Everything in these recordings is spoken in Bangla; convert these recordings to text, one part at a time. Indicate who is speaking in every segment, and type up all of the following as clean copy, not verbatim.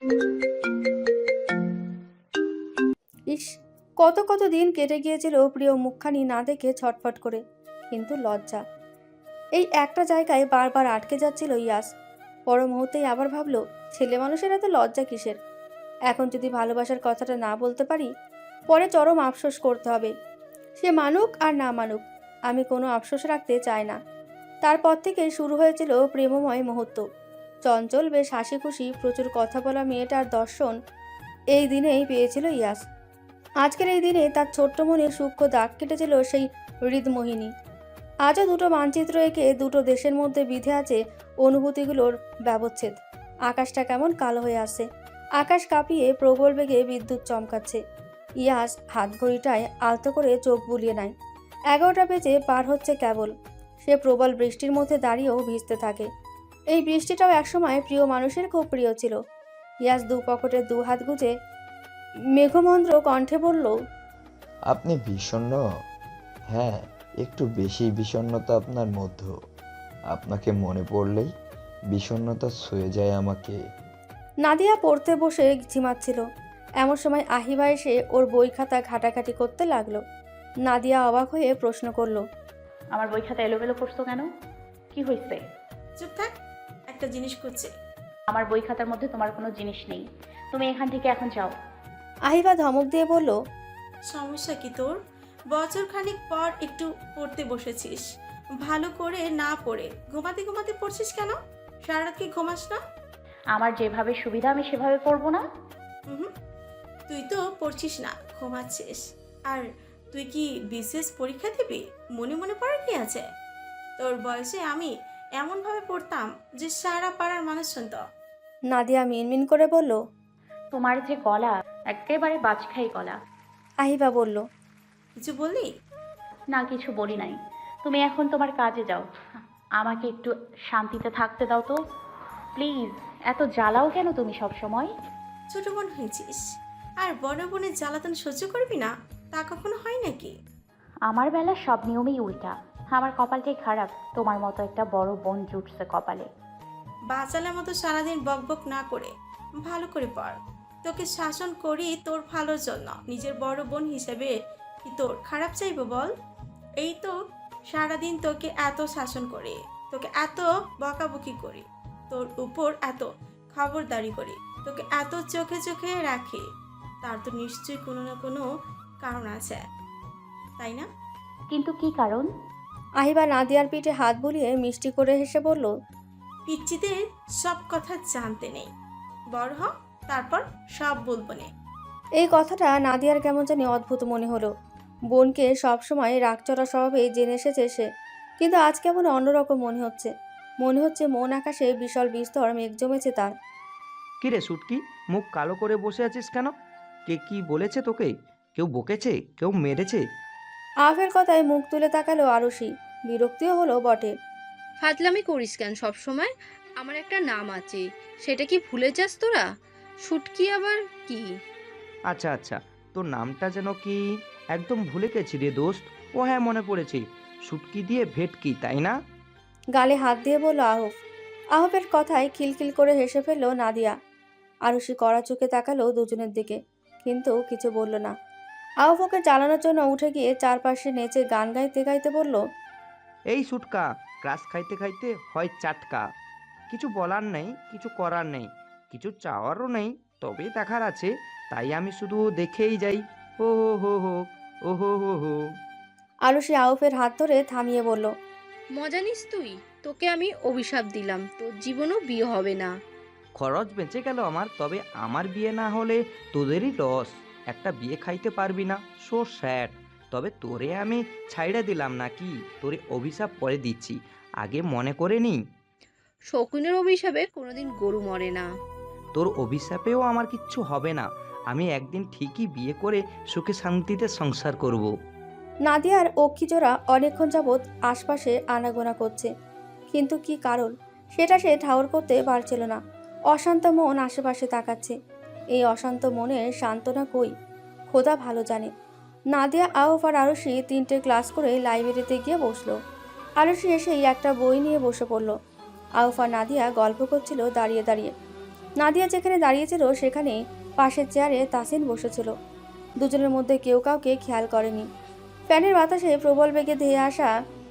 Speaker 1: ইস, কত কত দিন কেটে গিয়েছিল প্রিয় মুখখানি না দেখে ছটফট করে। কিন্তু লজ্জা, এই একটা জায়গায় বারবার আটকে যাচ্ছিল ইয়াস। পর মুহূর্তেই আবার ভাবলো, ছেলে মানুষের এত লজ্জা কিসের? এখন যদি ভালোবাসার কথাটা না বলতে পারি, পরে চরম আফসোস করতে হবে। সে মানুক আর না মানুক, আমি কোনো আফসোস রাখতে চাই না। তারপর থেকে শুরু হয়েছিল প্রেমময় মুহূর্ত। চঞ্চল, বেশ হাসি খুশি, প্রচুর কথা বলা মেয়েটার দর্শন এই দিনেই পেয়েছিল ইয়াস। আজকের এই দিনে তার ছোট্ট মনে সূক্ষ্ম দাগ কেটেছিল সেই হৃদমোহিনী। আজও দুটো মানচিত্র এঁকে দুটো দেশের মধ্যে বিধে আছে অনুভূতিগুলোর ব্যবচ্ছেদ। আকাশটা কেমন কালো হয়ে আসছে, আকাশ কাঁপিয়ে প্রবল বেগে বিদ্যুৎ চমকাচ্ছে। ইয়াস হাত ঘড়িটায় আলতো করে চোখ বুলিয়ে নেয়। 11টা বেজে পার হচ্ছে কেবল। সে প্রবল বৃষ্টির মধ্যে দাঁড়িয়েও ভিজতে থাকে। এই বৃষ্টিটাও একসময় প্রিয় মানুষের খুব প্রিয় ছিল। ইয়াস দু পকেটে দু হাত গুজে মেঘমন্দ্র কণ্ঠে বলল,
Speaker 2: আপনি বিষণ্ণ? হ্যাঁ, একটু বেশি বিষণ্ণতা আপনার মধ্যে। আপনাকে মনে পড়লেই বিষণ্ণতা ছুঁয়ে যায় আমাকে।
Speaker 1: নাদিয়া পড়তে বসে ঝিমাচ্ছিল। এমন সময় আহিবা এসে ওর বই খাতা ঘাটাঘাটি করতে লাগলো। নাদিয়া অবাক হয়ে প্রশ্ন করলো,
Speaker 3: আমার বই খাতা এলোমেলো করছো কেন? কি হয়েছে?
Speaker 4: চুপ থাক, একটা জিনিস করছে।
Speaker 3: আমার বই খাতার মধ্যে তোমার কোনো জিনিস নেই। তুমি এখান থেকে এখন যাও।
Speaker 1: আহিবা ধমক দিয়ে বলল,
Speaker 4: সমস্যা কি তোর? বছর খানিক পর একটু পড়তে বসেছিস, ভালো করে না পড়ে ঘুমাতে ঘুমাতে পড়ছিস কেন? সারা রাত কি ঘুমাস না?
Speaker 3: আমার যেভাবে সুবিধা আমি সেভাবে পড়বো না।
Speaker 4: হুম, তুই তো পড়ছিস না, ঘুমাচ্ছিস। আর তুই কি বিশেষ পরীক্ষা দিবি? মনে মনে পড়ার কি আছে? তোর বয়সে আমি এমনভাবে পড়তাম যে সারা পাড়ার মানুষ শুনত।
Speaker 1: নাদিয়া মিনমিন করে বলল।
Speaker 3: তোমার যে গলা, একেবারে বাজখাই গলা।
Speaker 1: আহিবা বলল,
Speaker 4: কিছু বললি?
Speaker 3: না, কিছু বলি নাই। তুমি এখন তোমার কাজে যাও। আমাকে একটু শান্তিতে থাকতে দাও তো প্লিজ। এত জ্বালাও কেন তুমি সব সময়?
Speaker 4: ছোট বোন হয়েছিস আর বড় বোনের জ্বালাতন সহ্য করবি না? তা কখনো হয় নাকি?
Speaker 3: আমার বেলা সব নিয়মেই উল্টা। আমার কপালটাই খারাপ, তোমার মতো একটা বড় বোন জুটছে কপালে।
Speaker 4: বাচালের মতো সারাদিন বকবক না করে ভালো করে পড়। তোকে শাসন করি তোর ভালোর জন্য, নিজের বড় বোন হিসেবে কি তোর খারাপ চাইবো বল? এই তো সারাদিন তোকে এত শাসন করে, তোকে এত বকাবকি করি, তোর উপর এত খবরদারি করি, তোকে এত চোখে চোখে রাখি, তার তো নিশ্চয়ই কোনো না কোনো কারণ আছে, তাই না?
Speaker 3: কিন্তু কি কারণ?
Speaker 1: আহিবা নাদিয়ার পিঠে হাত বুলিয়ে মিষ্টি করে হেসে বলল,
Speaker 4: পিচ্চিদের সব কথা জানতে নেই, বড় হ, তারপর সব বলবো নে।
Speaker 1: এই কথাটা নাদিয়ার কেমন জানি অদ্ভুত মনে হলো। বোনকে সবসময় রাগচড়া স্বভাবে জেনে এসেছে সে, কিন্তু আজ কেমন অন্যরকম মনে হচ্ছে। মনে হচ্ছে মন আকাশে বিশাল বিস্তর মেঘ জমেছে তার।
Speaker 5: কিরে শুটকি, মুখ কালো করে বসে আছিস কেন? কে কি বলেছে তোকে? কেউ বকেছে? কেউ মেরেছে?
Speaker 1: আফের কথায় মুখ তুলে তাকালো আরুষি। বিরক্তিও হলো বটে।
Speaker 6: ফাজলামি করিস কেন সব সময়? আমার একটা নাম আছে, সেটা কি ভুলে যাস তোরা? শুটকি আবার কি?
Speaker 5: আচ্ছা আচ্ছা, তোর নামটা যেন কি? একদম ভুলে গেছি রে দোস্ত। ও হ্যাঁ, মনে পড়েছে, শুটকি দিয়ে ভেটকি, তাই না?
Speaker 1: গালে হাত দিয়ে বলল আহফ। আহফের কথায় খিলখিল করে হেসে ফেলল নাদিয়া। আরুষি কড়া চোখে তাকালো দুজনের দিকে, কিন্তু কিছু বলল না। আহফ ওকে জ্বালানোর জন্য উঠে গিয়ে চারপাশে নেচে গান গাইতে গাইতে বলল,
Speaker 5: এই শুটকা, ক্রাস খাইতে খাইতে হয় চাটকা। কিছু বলার নেই, কিছু করার নেই, কিছু চাওয়ারও নেই, তবে দেখার আছে। তাই আমি শুধু দেখেই যাই। হো হো হো হো, ও হো হো হো।
Speaker 1: আরুষি আহফের হাত ধরে থামিয়ে বলল,
Speaker 6: মজা নিস তুই? তোকে আমি অভিশাপ দিলাম, তোর জীবনও বিয়ে হবে না।
Speaker 5: খরচ বেঁচে গেল আমার, তবে আমার বিয়ে না হলে তোদেরই লস। একটা বিয়ে খাইতে পারবি না, সো স্যাড। তবে তোরে আমি ছাইড়া দিলাম নাকি? তোরে অভিশাপ পরে দিচ্ছি, আগে মনে করে নি।
Speaker 6: শকুনের অভিশাপে কোনোদিন গরু মরে না।
Speaker 5: তোর অভিশাপেও আমার কিচ্ছু হবে না। আমি একদিন ঠিকই বিয়ে করে সুখে শান্তিতে সংসার করব।
Speaker 1: নাদিয়ার অক্ষিজোড়া অনেকক্ষণ যাবৎ আশপাশে আনাগোনা করছে, কিন্তু কি কারণ সেটা সে ঠাউর করতে পারছিল না। অশান্ত মন আশেপাশে তাকাচ্ছে। এই অশান্ত মনের সান্ত্বনা কই, খোদা ভালো জানে। নাদিয়া, আহফ আর আরুষি 3টে ক্লাস করে লাইব্রেরিতে গিয়ে বসলো। আরুষি এসেই একটা বই নিয়ে বসে পড়ল। আহফ আর নাদিয়া গল্প করছিল দাঁড়িয়ে দাঁড়িয়ে। নাদিয়া যেখানে দাঁড়িয়েছিল সেখানে পাশের চেয়ারে তাসিন বসেছিল। দুজনের মধ্যে কেউ কাউকে খেয়াল করেনি। ফ্যানের বাতাসে প্রবল বেগে ধেয়ে আসা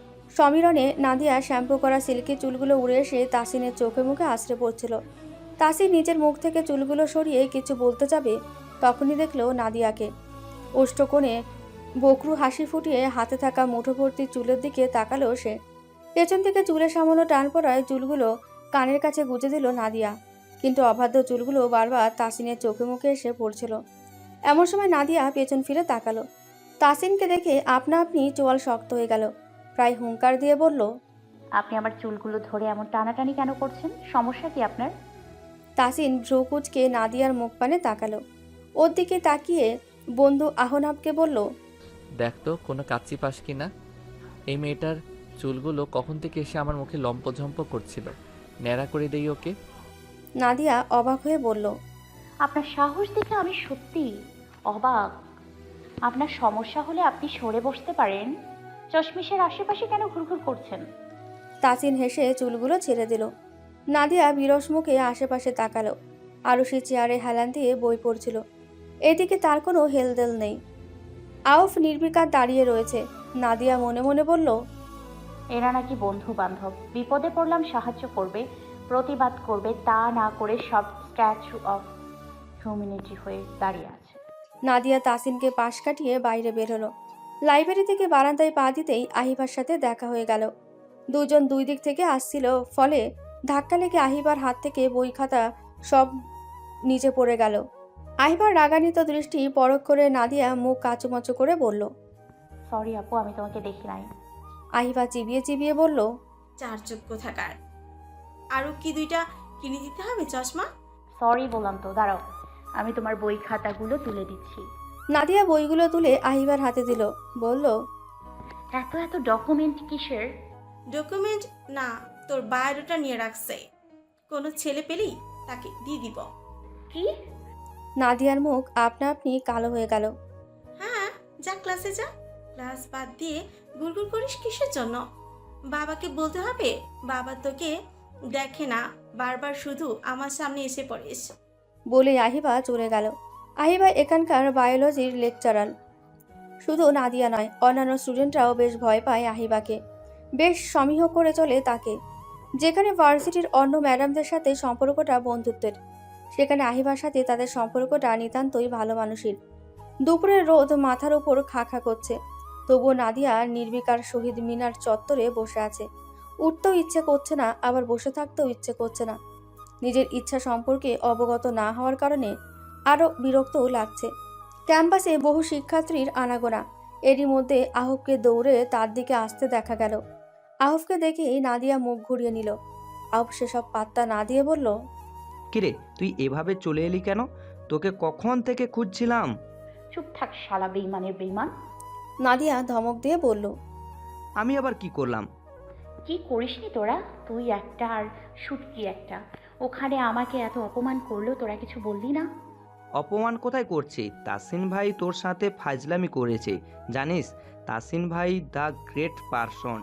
Speaker 1: সমীরণে নাদিয়া শ্যাম্পু করা সিল্কি চুলগুলো উড়ে এসে তাসিনের চোখে মুখে আছড়ে পড়ছিল। তাসিন নিজের মুখ থেকে চুলগুলো সরিয়ে কিছু বলতে যাবে, তখনই দেখলো নাদিয়াকে। ওষ্ঠকোণে বকরু হাসি ফুটিয়ে হাতে থাকা মুঠো ভর্তি চুলের দিকে তাকালো সে। পেছন থেকে চুলের সামান্য টান পড়ায় চুলগুলো কানের কাছে গুজে দিল নাদিয়া, কিন্তু অবাধ্য চুলগুলো বারবার তাসিনের চোখে মুখে এসে পড়ছিল। এমন সময় নাদিয়া পেছন ফিরে তাকালো। তাসিনকে দেখে আপনা আপনি চোয়াল শক্ত হয়ে গেল। প্রায় হুঙ্কার দিয়ে বলল,
Speaker 3: আপনি আমার চুলগুলো ধরে এমন টানাটানি কেন করছেন? সমস্যা কি আপনার?
Speaker 1: তাসিন ভ্রু কুঁচকে নাদিয়ার মুখ পানে তাকালো। ওর দিকে তাকিয়ে বন্ধু আহনাবকে বলল,
Speaker 7: দেখ তো কোনো কাচ্চি পাস কি না। এই মেয়েটার চুলগুলো কখন থেকে এসে আমার মুখে লম্পঝম্প করছিল, ন্যাড়া করে দেই ওকে।
Speaker 1: নাদিয়া অবাক হয়ে বলল,
Speaker 3: আপনার সাহস দেখে আমি সত্যি অবাক। আপনার সমস্যা হলে আপনি সরে বসতে পারেন। চশমিশের আশেপাশে কেন ঘুরঘুর করছেন?
Speaker 1: তাসিন হেসে চুলগুলো ছেড়ে দিল। নাদিয়া বিরস মুখে আশেপাশে তাকালো। আরুষি চেয়ারে হেলান দিয়ে বই পড়ছিল। এদিকে তার কোনো হেলদেল নেই। আউফ নির্বিকার দাঁড়িয়ে রয়েছে। নাদিয়া মনে মনে বলল,
Speaker 3: এরা নাকি বন্ধু বান্ধব, বিপদে পড়লাম সাহায্য করবে, প্রতিবাদ করবে, তা না করে সব স্ট্যাচু অফ হিউম্যানিটি হয়ে দাঁড়িয়ে আছে।
Speaker 1: নাদিয়া তাসিনকে পাশ কাটিয়ে বাইরে বের হলো। লাইব্রেরি থেকে বারান্দায় পা দিতেই আহিবার সাথে দেখা হয়ে গেল। দুজন দুই দিক থেকে আসছিল, ফলে ধাক্কা লেগে আহিবার হাত থেকে বই খাতা সব নিচে পড়ে গেল। আহিবার রাগান্বিত দৃষ্টি পরখ করে নাদিয়া মুখ কাচুমাচু করে বলল।
Speaker 3: সরি আপু, আমি তোমাকে দেখি নাই।
Speaker 1: আহিবা চিবিয়ে চিবিয়ে বলল,
Speaker 4: চার চোখ কোথাকার। আরও কি দুইটা কিনে দিতে হবে চশমা?
Speaker 3: সরি বললাম তো, দাঁড়াও আমি তোমার বই খাতাগুলো তুলে দিচ্ছি।
Speaker 1: নাদিয়া বইগুলো তুলে আহিবার হাতে দিল, বলল,
Speaker 3: এত এত ডকুমেন্ট কিসের?
Speaker 4: ডকুমেন্ট না, তোর বায়োডাটা নিয়ে রাখছে। কোনো ছেলে পেলেই তাকে দিয়ে দিব।
Speaker 3: কি?
Speaker 1: নাদিয়ার মুখ আপনা আপনি কালো হয়ে গেল।
Speaker 4: হ্যাঁ, যা ক্লাসে যা। ক্লাস বাদ দিয়ে গুড়গুড় করিস কিসের জন্য? বাবাকে বলতে হবে। বাবা তোকে দেখে না, বারবার শুধু আমার সামনে এসে পড়িস।
Speaker 1: বলে আহিবা চলে গেল। আহিবা এখানকার বায়োলজির লেকচারার। শুধু নাদিয়া নয়, অন্যান্য স্টুডেন্টরাও বেশ ভয় পায় আহিবাকে, বেশ সমীহ করে চলে তাকে। যেখানে ভার্সিটির অন্য ম্যাডামদের সাথে সম্পর্কটা বন্ধুত্বের, সেখানে আহিবার সাথে তাদের সম্পর্কটা নিতান্তই ভালো মানুষের। দুপুরের রোদ মাথার উপর খা খা করছে, তবুও নাদিয়া নির্বিকার শহীদ মিনার চত্বরে বসে আছে। উঠতেও ইচ্ছে করছে না, আবার বসে থাকতেও ইচ্ছে করছে না। নিজের ইচ্ছা সম্পর্কে অবগত না হওয়ার কারণে আরও বিরক্তও লাগছে। ক্যাম্পাসে বহু শিক্ষার্থীর আনাগোনা। এরই মধ্যে আহবকে দৌড়ে তার দিকে আসতে দেখা গেল। আহবকে দেখেই নাদিয়া মুখ ঘুরিয়ে নিল। আহব সেসব পাত্তা না দিয়ে বলল,
Speaker 5: কিরে, তুই এভাবে চলে এলি কেন? তোকে কখন থেকে খুঁজছিলাম।
Speaker 3: চুপ থাক শালা বেইমানের বেইমান।
Speaker 1: নাদিয়া ধমক দিয়ে বলল,
Speaker 5: আমি আবার কি করলাম?
Speaker 3: কি করিসনি তোরা? তুই একটা আর শুটকি একটা। ওখানে আমাকে এত অপমান করলো, তোরা কিছু বললি না?
Speaker 5: অপমান কোথায় করছি? তাসিন ভাই তোর সাথে ফাজলামি করেছে, জানিস? তাসিন ভাই দ্য গ্রেট পারসন।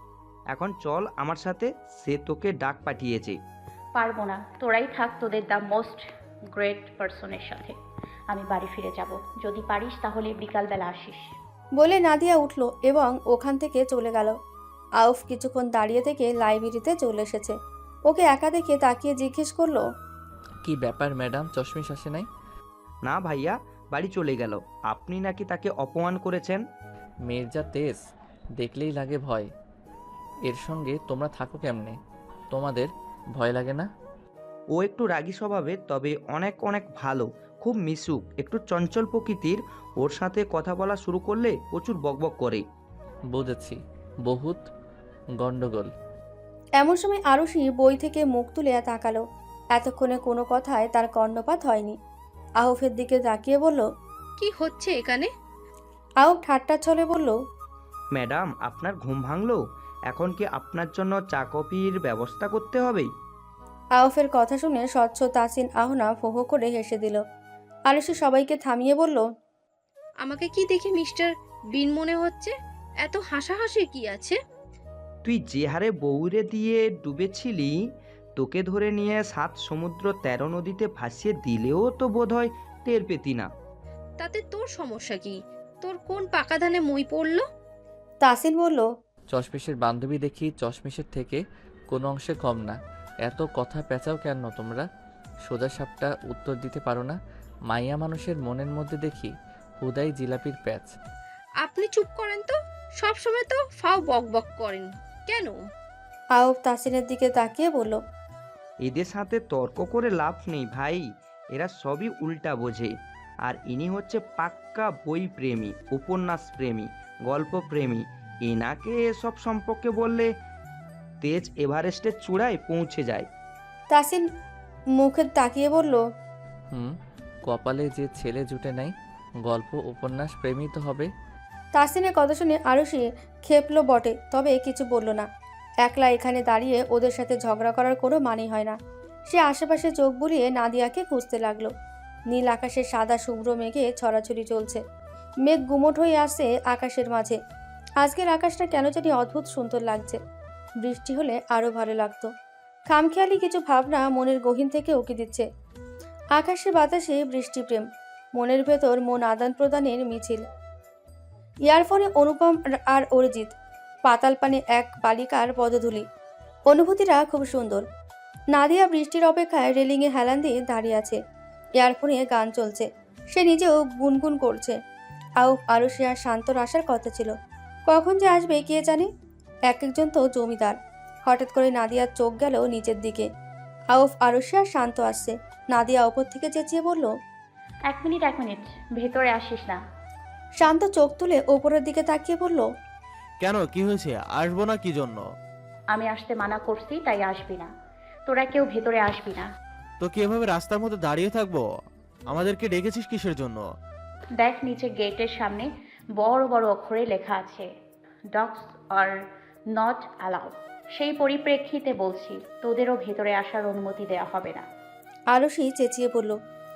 Speaker 5: এখন চল আমার সাথে, সে তোকে ডাক পাঠিয়েছে।
Speaker 3: পারবো না, তোরাই থাক তোদের দ্য মোস্ট গ্রেট পারসনের সাথে। আমি বাড়ি ফিরে যাব। যদি পারিস তাহলে বিকালবেলা আসিস।
Speaker 1: বলে নাদিয়া উঠল এবং ওখান থেকে চলে গেল। আউফ কিছুক্ষণ দাঁড়িয়ে থেকে লাইব্রেরিতে চলে এসেছে। ওকে একা দেখে তাকিয়ে জিজ্ঞেস করলো,
Speaker 7: কি ব্যাপার ম্যাডাম, চশমিশ আসে নাই?
Speaker 5: না ভাইয়া, বাড়ি চলে গেল। আপনি নাকি তাকে অপমান করেছেন।
Speaker 7: মেয়ের যা তেজ, দেখলেই লাগে ভয়। এর সঙ্গে তোমরা থাকো কেমনে? তোমাদের ভয় লাগে না?
Speaker 5: ও একটু রাগী স্বভাবের, তবে অনেক অনেক ভালো, খুব মিশুক, একটু চঞ্চল প্রকৃতির। ওর সাথে কথা বলা শুরু করলে প্রচুর বকবক করে।
Speaker 7: বুঝেছি, বহুত গন্ডগোল।
Speaker 1: এমন সময় আরুষি বই থেকে মুখ তুলে তাকালো। এতক্ষণে কোনো কথায় তার কর্ণপাত হয়নি। আউফের দিকে তাকিয়ে বলল,
Speaker 6: কি হচ্ছে এখানে?
Speaker 1: আউফ ঠাট্টা ছলে বলল,
Speaker 5: ম্যাডাম, আপনার ঘুম ভাঙলো? এখন কি আপনার জন্য চা কফির ব্যবস্থা করতে হবে?
Speaker 1: আউফের কথা শুনে স্বচ্ছ তাসিন আহনা ফো ফো করে হেসে দিল। আরুষি সবাইকে থামিয়ে বলল,
Speaker 6: আমাকে কি দেখে মিস্টার বিন মনে হচ্ছে? এত হাসাহাসি কি আছে?
Speaker 5: তুই যে হারে বউরে দিয়ে ডুবেছিলি, তোকে ধরে নিয়ে 7 সমুদ্র 13 নদীতে ভাসিয়ে দিলেও তো বোধহয় টের পেতি না।
Speaker 6: তাতে তোর সমস্যা কি? তোর কোন পাকা ধানে মই পড়লো?
Speaker 1: তাসিন বলল,
Speaker 7: চশমিশের বান্ধবী দেখি চশমিশের থেকে কোনো অংশে কম না। এত কথা পেঁচাও কেন তোমরা? সোজা সাপটা উত্তর দিতে পারো না? মাইয়া মানুষের মনের মধ্যে দেখি হুদাই জিলাপির প্যাচ।
Speaker 6: আপনি চুপ করেন তো, সব সময় তো ফাও বক বক করেন কেন?
Speaker 1: আউফ তাসিনের দিকে তাকিয়ে বলল,
Speaker 5: এদের সাথে তর্ক করে লাভ নেই ভাই, এরা সবই উল্টা বোঝে। আর ইনি হচ্ছে পাক্কা বই প্রেমী, উপন্যাস প্রেমী, গল্প প্রেমী। এনাকে এসব সম্পর্কে বললে তেজ এভারেস্টের চূড়ায় পৌঁছে যায়।
Speaker 1: তাসিন মুখে তাকিয়ে বলল,
Speaker 7: কপালে যে ছেলে জুটে নাই, গল্প উপন্যাস প্রেমী তো হবে।
Speaker 1: তাসিনের কথা শুনে আরুষি খেপলো বটে, তবে কিছু বলল না। একলা এখানে দাঁড়িয়ে ওদের সাথে ঝগড়া করার কোনো মানেই হয় না। সে আশেপাশে চোখ বুলিয়ে নাদিয়াকে খুঁজতে লাগলো। নীল আকাশের সাদা শুভ্র মেঘে ছড়াছড়ি চলছে। মেঘ গুমোট হয়ে আসছে আকাশের মাঝে। আজকের আকাশটা কেন জানি অদ্ভুত সুন্দর লাগছে। বৃষ্টি হলে আরও ভালো লাগতো। খামখেয়ালি কিছু ভাবনা মনের গহীন থেকে উকি দিচ্ছে। আকাশে বাতাসে বৃষ্টি প্রেম, মনের ভেতর মন আদান প্রদানের মিছিল। ইয়ারফোনে অনুপম আর অরিজিৎ, পাতাল পানে এক বালিকার পদধূলি। অনুভূতিটা খুব সুন্দর। নাদিয়া বৃষ্টির অপেক্ষায় রেলিংয়ে হেলান দিয়ে দাঁড়িয়ে আছে। ইয়ারফোনে গান চলছে, সে নিজেও গুনগুন করছে। আউফ আরুষি আর শান্তর আসার কথা ছিল, কখন যে আসবে কে জানে। এক একজন তো জমিদার। হঠাৎ করে নাদিয়ার চোখ গেল নিচের দিকে। আউফ আরুষি আর শান্ত আসছে। নাদিয়া ওপর থেকে চেঁচিয়ে বলল,
Speaker 3: 1 মিনিট, 1 মিনিট, ভেতরে আসিস না।
Speaker 1: শান্ত চোখ তুলে ওপরের দিকে তাকিয়ে বলল,
Speaker 8: কেন, কি হয়েছে? আসবো না কি জন্য?
Speaker 3: আমি আসতে মানা করছি, তাই আসবি না। তোরা কেউ ভেতরে আসবি না।
Speaker 8: তো কি এভাবে রাস্তার মধ্যে দাঁড়িয়ে থাকবো? আমাদেরকে ডেকেছিস কিসের জন্য?
Speaker 3: দেখ, নিচে গেটের সামনে বড় বড় অক্ষরে লেখা আছে, ডগস আর নট অ্যালাউড। সেই পরিপ্রেক্ষিতে বলছি, তোদেরও ভেতরে আসার অনুমতি দেওয়া হবে না।
Speaker 1: আরুষি চেঁচিয়ে বলল,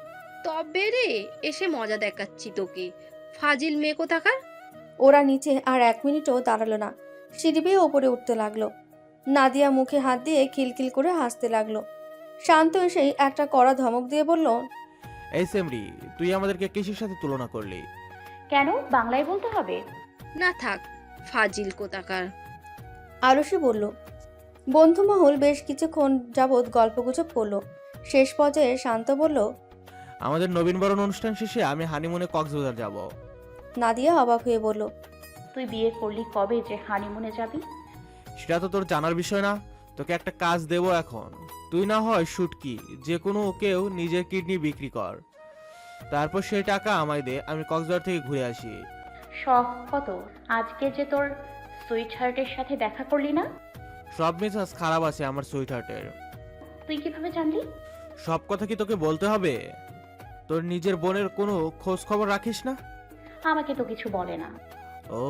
Speaker 6: তবে রে, এসে মজা দেখাচ্ছি তোকে, ফাজিল মেয়ে কোথাকার।
Speaker 1: ওরা নিচে আর 1 মিনিটও দাঁড়ালো না, সিঁড়ি বেয়ে ওপরে উঠতে লাগলো। নাদিয়া মুখে হাত দিয়ে খিলখিল করে হাসতে লাগলো। শান্ত এসেই একটা কড়া ধমক দিয়ে বলল,
Speaker 8: এই সেমরি, তুই আমাদেরকে কিসের সাথে তুলনা করলি?
Speaker 3: কেন বাংলায় বলতে হবে?
Speaker 6: না থাক, ফাজিল কোথাকার।
Speaker 1: আরুষি বলল। বন্ধুমহল বেশ কিছুক্ষণ যাবৎ গল্পগুজব করলো। শেষ পর্যায়ে শান্ত বলল,
Speaker 8: আমাদের নবীনবরণ অনুষ্ঠান শেষে আমি হানিমুনে কক্সবাজার যাব।
Speaker 1: নাদিয়া অবাক হয়ে বলল,
Speaker 3: তুই বিয়ে করলি কবে যে হানিমুনে যাবি?
Speaker 8: সেটা তো তোর জানার বিষয় না। তোকে একটা কাজ দেবো এখন। তুই না হয় শুটকি, যে কোনো কেউ নিজের কিডনি বিক্রি কর, তারপর সেই টাকা আমায় দে, আমি কক্সবাজার থেকে ঘুরে আসি।
Speaker 3: শখ কত? আজকে যে তোর সুইট হার্টের সাথে দেখা করলি না?
Speaker 8: সব মেজাজ খারাপ আছে আমার সুইট হার্টের।
Speaker 3: তুই কিভাবে জানলি?
Speaker 8: সব কথা কি তোকে বলতে হবে? তোর নিজের বোনের কোনো খোঁজ খবর রাখিস না?
Speaker 3: আমাকে তো কিছু বলে না।
Speaker 8: ও,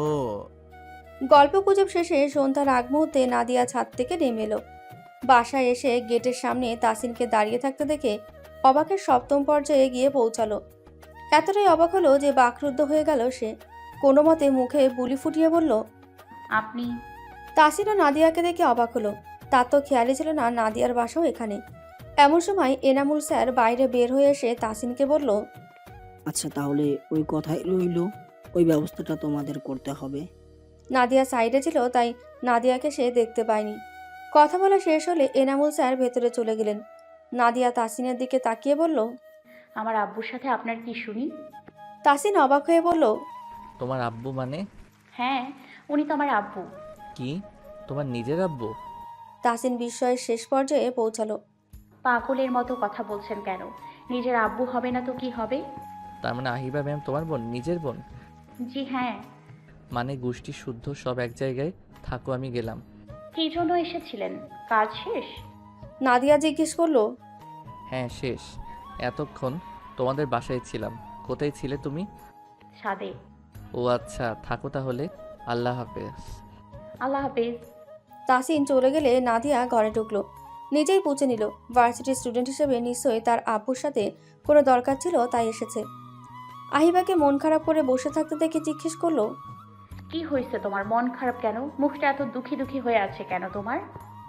Speaker 1: গল্পগুজব শেষে সন্ধ্যার আগ মুহূর্তে নাদিয়া ছাদ থেকে নেমে এলো। বাসায় এসে গেটের সামনে তাসিনকে দাঁড়িয়ে থাকতে দেখে অবাকের 7ম পর্যায়ে গিয়ে পৌঁছালো। এতটাই অবাক হলো যে বাকরুদ্ধ হয়ে গেল সে। কোনো মতে মুখে বুলি ফুটিয়ে বলল,
Speaker 3: আপনি?
Speaker 1: তাসিন ও নাদিয়াকে দেখে অবাক হলো। তার তো খেয়ালই ছিল না নাদিয়ার বাসাও এখানে। এমন সময় এনামুল স্যার বাইরে বের হয়ে এসে তাসিনকে বলল,
Speaker 9: আচ্ছা, তাহলে ওই কথাই রইল, ওই ব্যবস্থাটা তোমাদের করতে হবে।
Speaker 1: নাদিয়া সাইডে ছিল, তাই নাদিয়াকে সে দেখতে পায়নি। কথা বলা শেষ হলে এনামুল স্যার ভেতরে চলে গেলেন। নাদিয়া তাসিনের দিকে তাকিয়ে বলল,
Speaker 3: আমার আব্বুর সাথে আপনার কি শুনি?
Speaker 1: তাসিন অবাক হয়ে বলল,
Speaker 7: তোমার আব্বু মানে?
Speaker 3: হ্যাঁ, উনি তো আমার আব্বু।
Speaker 7: কি, তোমার নিজের আব্বু?
Speaker 1: তাসিন বিস্ময়ের শেষ পর্যায়ে পৌঁছালো।
Speaker 3: পাগলের মতো কথা বলছেন কেন? নিজের আব্বু হবে না তো কি হবে?
Speaker 7: তার মানে আহিবা ম্যাম তোমার বোন, নিজের বোন?
Speaker 3: জি হ্যাঁ।
Speaker 7: মানে গোষ্ঠী শুদ্ধ সব এক জায়গায় থাকো, আমি গেলাম।
Speaker 3: কি জন্য এসেছিলেন? কাজ শেষ?
Speaker 1: নাদিয়া জিজ্ঞেস করলো,
Speaker 7: হ্যাঁ শেষ। এতক্ষণ তোমাদের বাসায় ছিলাম। কোথায় ছিলে তুমি?
Speaker 3: ছাদে।
Speaker 7: ও আচ্ছা, থাকো তাহলে। আল্লাহ হাফেজ।
Speaker 3: আল্লাহ হাফেজ।
Speaker 1: তাসিন চলে গেলে নাদিয়া ঘরে ঢুকলো। নিজেই বুঝে নিল ভার্সিটির স্টুডেন্ট হিসেবে নিশ্চয়ই তার আব্বুর সাথে কোনো দরকার ছিল, তাই এসেছে। আহিবাকে মন খারাপ করে বসে থাকতে দেখে জিজ্ঞেস করলো,
Speaker 3: কি হয়েছে তোমার? মন খারাপ কেন? মুখটা এত দুঃখী দুঃখী হয়ে আছে কেন তোমার?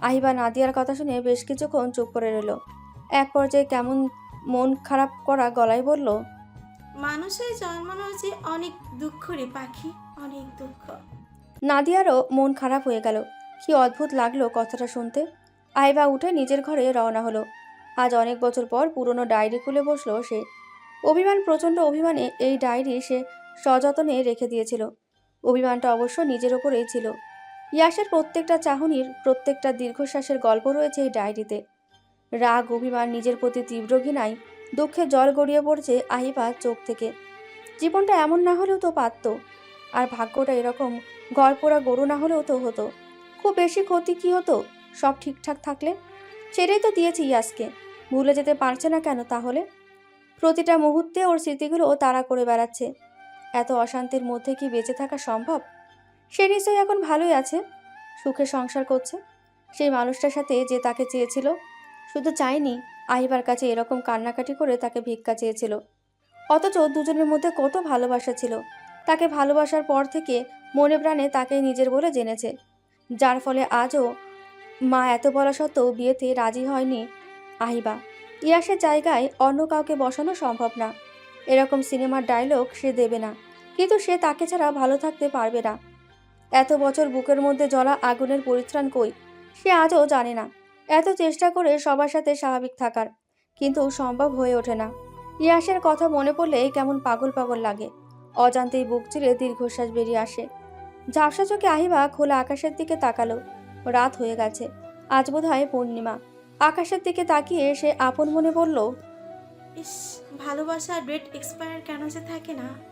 Speaker 1: আহিবা নাদিয়ার কথা শুনে বেশ কিছুক্ষণ চুপ করে রইল। এক পর্যায়ে কেমন মন খারাপ করা গলায় বলল,
Speaker 4: মানুষের জন্মানো যে অনেক দুঃখ রে পাখি, অনেক দুঃখ।
Speaker 1: নাদিয়ারও মন খারাপ হয়ে গেল। কি অদ্ভুত লাগলো কথাটা শুনতে। আহিবা উঠে নিজের ঘরে রওনা হলো। আজ অনেক বছর পর পুরনো ডায়েরি খুলে বসলো সে। প্রচণ্ড অভিমানে এই ডায়েরি সে সযত্নে রেখে দিয়েছিল। অভিমানটা অবশ্য নিজের ওপরেই ছিল। ইয়াসের প্রত্যেকটা চাহনির, প্রত্যেকটা দীর্ঘশ্বাসের গল্প রয়েছে এই ডায়েরিতে। রাগ, অভিমান, নিজের প্রতি তীব্র ঘৃণায় দুঃখে জল গড়িয়ে পড়ছে আহিবার চোখ থেকে। জীবনটা এমন না হলেও তো পারত, আর ভাগ্যটা এরকম গড়পোড়া গরু না হলেও তো হতো। খুব বেশি ক্ষতি কি হতো সব ঠিকঠাক থাকলে? ছেড়েই তো দিয়েছে ইয়াসকে, ভুলে যেতে পারছে না কেন তাহলে? প্রতিটা মুহূর্তে ওর স্মৃতিগুলো তাড়া করে বেড়াচ্ছে। এত অশান্তির মধ্যে কি বেঁচে থাকা সম্ভব? সে নিশ্চয়ই এখন ভালোই আছে, সুখে সংসার করছে সেই মানুষটার সাথে যে তাকে চেয়েছিল। শুধু চায়নি, আহিবার কাছে এরকম কান্নাকাটি করে তাকে ভিক্ষা চেয়েছিল। অথচ দুজনের মধ্যে কত ভালোবাসা ছিল। তাকে ভালোবাসার পর থেকে মনে প্রাণে তাকে নিজের বলে জেনেছে, যার ফলে আজও মা এত বলা সত্ত্বেও বিয়েতে রাজি হয়নি আহিবা। ইয়াসের জায়গায় অন্য কাউকে বসানো সম্ভব না। এরকম সিনেমার ডায়লগ সে দেবে না, কিন্তু সে তাকে ছাড়া ভালো থাকতে পারবে না। এত বছর বুকের মধ্যে জ্বলা আগুনের পরিত্রাণ কই সে আজও জানে না। এত চেষ্টা করে সবার সাথে স্বাভাবিক থাকার, কিন্তু সম্ভব হয়ে ওঠে না। ইয়াসের কথা মনে পড়লেই কেমন পাগল পাগল লাগে। অজান্তেই বুক চিরে দীর্ঘশ্বাস বেরিয়ে আসে। ঝাপসা চোখে আহিবা খোলা আকাশের দিকে তাকালো। রাত হয়ে গেছে, আজ বোধহয় পূর্ণিমা। আকাশের দিকে তাকিয়ে সে আপন মনে বলল,
Speaker 4: ইস, ভালোবাসার ডেট এক্সপায়ার কেন যে থাকে না।